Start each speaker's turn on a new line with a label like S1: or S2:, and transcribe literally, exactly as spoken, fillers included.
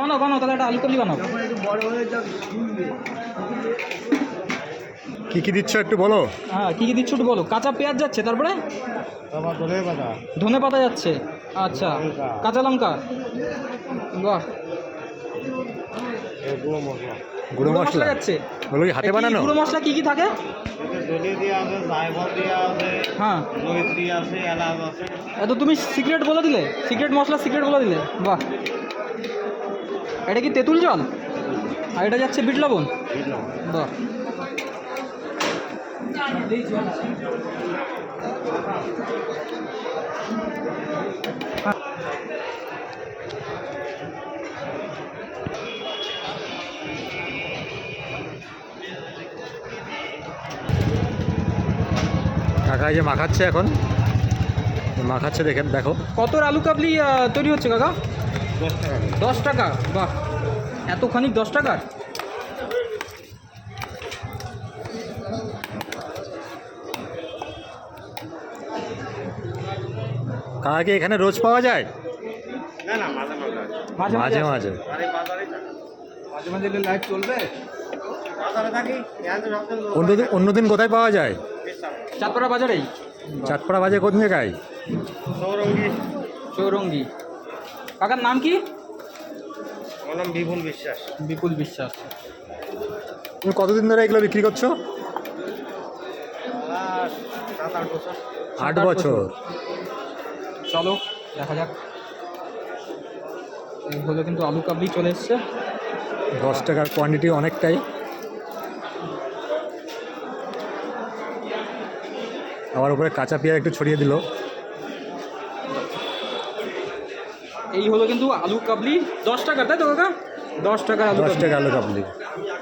S1: বানাও বানাও তাহলে একটা আলু কাবলি বানাও।
S2: কি কি দিচ্ছ একটু বলো।
S1: হ্যাঁ কী কী দিচ্ছ একটু বলো। কাঁচা পেঁয়াজ যাচ্ছে, তারপরে ধনে পাতা যাচ্ছে, আচ্ছা কাঁচা লঙ্কা, বাহ
S2: গুঁড়ো মশলা
S1: যাচ্ছে।
S2: ওগুলো কি হাতে
S1: এ কি
S2: বানানো?
S1: গুঁড়ো মশলা কী কী থাকে? হ্যাঁ এত তুমি সিক্রেট বলে দিলে, সিক্রেট মশলা সিক্রেট বলে দিলে, বাহ। এটা কি তেঁতুল জল? আর এটা যাচ্ছে বিট লবণ, বাহ।
S2: কাকা এই যে মাখাচ্ছে এখন, মাখাচ্ছে দেখেন, দেখো।
S1: কত আলু কাবলি আহ, তৈরি হচ্ছে কাকা? দশ টাকা, বাহ। এতখানি দশ টাকার?
S2: কাকা কি এখানে রোজ পাওয়া যায়?
S1: মাঝে
S2: মাঝে
S1: আসে।
S2: মাঝে।
S1: মাঝে মাঝে লাইভ চলবে।
S2: অন্যদিন অন্যদিন কোথায় পাওয়া যায়?
S1: চাঁদপাড়া বাজারেই।
S2: চাঁদপাড়া বাজে কোন জায়গায়?
S1: চৌরঙ্গি। কাকার নাম কি?
S3: আমার নাম বিপুল বিশ্বাস।
S1: বিপুল বিশ্বাস।
S2: তুমি কতদিন ধরে এগুলো বিক্রি করছো?
S3: সাত আট বছর।
S2: আট বছর।
S1: চলো দেখা যাক। এই হলো কিন্তু আলু কাবলি চলে এসছে।
S2: দশ টাকার কোয়ান্টিটি অনেকটাই। আবার উপরে কাঁচা পেঁয়াজ একটু ছড়িয়ে দিল।
S1: এই হলো কিন্তু আলু কাবলি দশ টাকার, তাই তো কাকা? দশ টাকার আলু
S2: দশ
S1: কাবলি।
S2: টাকা আলু কাবলি।